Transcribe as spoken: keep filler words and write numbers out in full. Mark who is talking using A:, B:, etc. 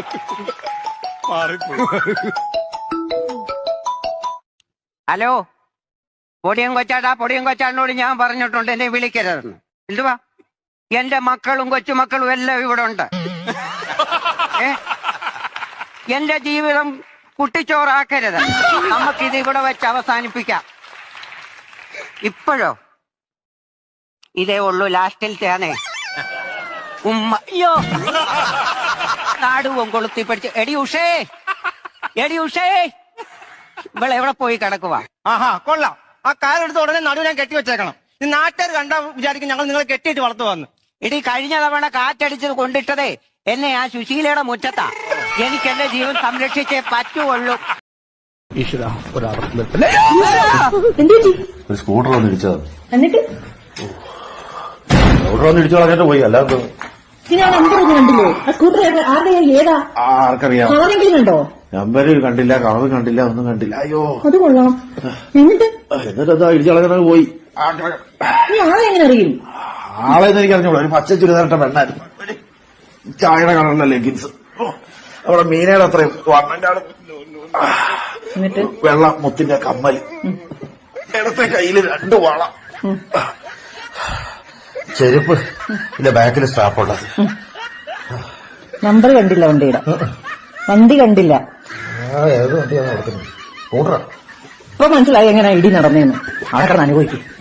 A: Hello, പൊടിയും കൊച്ചാട്ടാ, പൊടിയും കൊച്ചാടിനോട് ഞാൻ പറഞ്ഞിട്ടുണ്ട് എന്നെ വിളിക്കരുതെന്ന്. എന്തുവാ? എന്റെ മക്കളും കൊച്ചുമക്കളും എല്ലാം ഇവിടെ ഉണ്ട്. ഏ എന്റെ ജീവിതം കുട്ടിച്ചോറാക്കരുത്. നമുക്കിത് ഇവിടെ വെച്ച് അവസാനിപ്പിക്കാം. ഇപ്പോഴോ ഇതേ ഉള്ളൂ ലാസ്റ്റിലത്തെയാണേ. ഉമ്മ അയ്യോ നാടുവും കൊളുത്തി പഠിച്ച്. എടി ഉഷേ, എടി ഉഷേ, ഇവളെ എവിടെ പോയി കിടക്കുവാ?
B: ആഹാ കൊള്ളാം. ആ കാലെടുത്ത് ഉടനെ നടു ഞാൻ കെട്ടി വെച്ചേക്കണം. ഈ നാട്ടുകാർ കണ്ടാ വിചാരിക്കും ഞങ്ങൾ നിങ്ങളെ കെട്ടിയിട്ട് വളർത്തു വന്ന്.
A: ഇടി കഴിഞ്ഞ തവണ കാറ്റടിച്ചത് കൊണ്ടിട്ടതേ എന്നെ ആ സുശീലയുടെ മുറ്റത്താ. എനിക്ക് എന്റെ ജീവൻ സംരക്ഷിച്ചേ പറ്റുള്ളൂ.
C: ഒരു സ്കൂട്ടർ വന്ന് ഇടിച്ചത്.
D: എന്നിട്ട്
C: സ്കൂട്ടർ വന്ന് ഇടിച്ചു കളഞ്ഞിട്ട് പോയി. അല്ലാതെ
D: ഞാൻ നമ്പർ കണ്ടില്ലേ? ആ സ്കൂട്ടർ ആരുടെ ഏതാ?
C: ആർക്കറിയാം.
D: ആരെങ്കിലും കണ്ടോ?
C: നമ്പര് കണ്ടില്ല, കളവ് കണ്ടില്ല, ഒന്നും കണ്ടില്ല. അയ്യോ
D: അത് കൊള്ളാം. എന്നിട്ട്
C: എന്നിട്ട് എന്താ ഇടിച്ചു കളഞ്ഞ പോയി.
D: നീ ആളെ എങ്ങനെ അറിയും?
C: ആളെന്ന് എനിക്ക് അറിഞ്ഞോളൂ. ഒരു പച്ച ചുരിദാറിട്ട പെണ്ണായിരുന്നു. ചായയുടെ കളറിലെ ലെഗിൻസ്. അവിടെ മീനയുടെ അത്രയും വണ്ണന്റെ ആള്.
D: എന്നിട്ട്
C: വെള്ള മുത്തിന്റെ കമ്മല്. ഇടത്തെ കയ്യില് രണ്ട് വള. ചെരുപ്പ് ഇല്ല, ബാക്കിൽ സ്റ്റാപ്പുള്ളത്.
D: നമ്പർ കണ്ടില്ല വണ്ടിയുടെ. വണ്ടി കണ്ടില്ല.
C: ഏത് വണ്ടിയാണ് നടത്തുന്നത്? സ്കൂട്ടറാ.
D: ഇപ്പൊ മനസ്സിലായി എങ്ങനെ ഇടി നടന്നേന്ന്. ആൾക്കാർ അനുഭവിക്കും.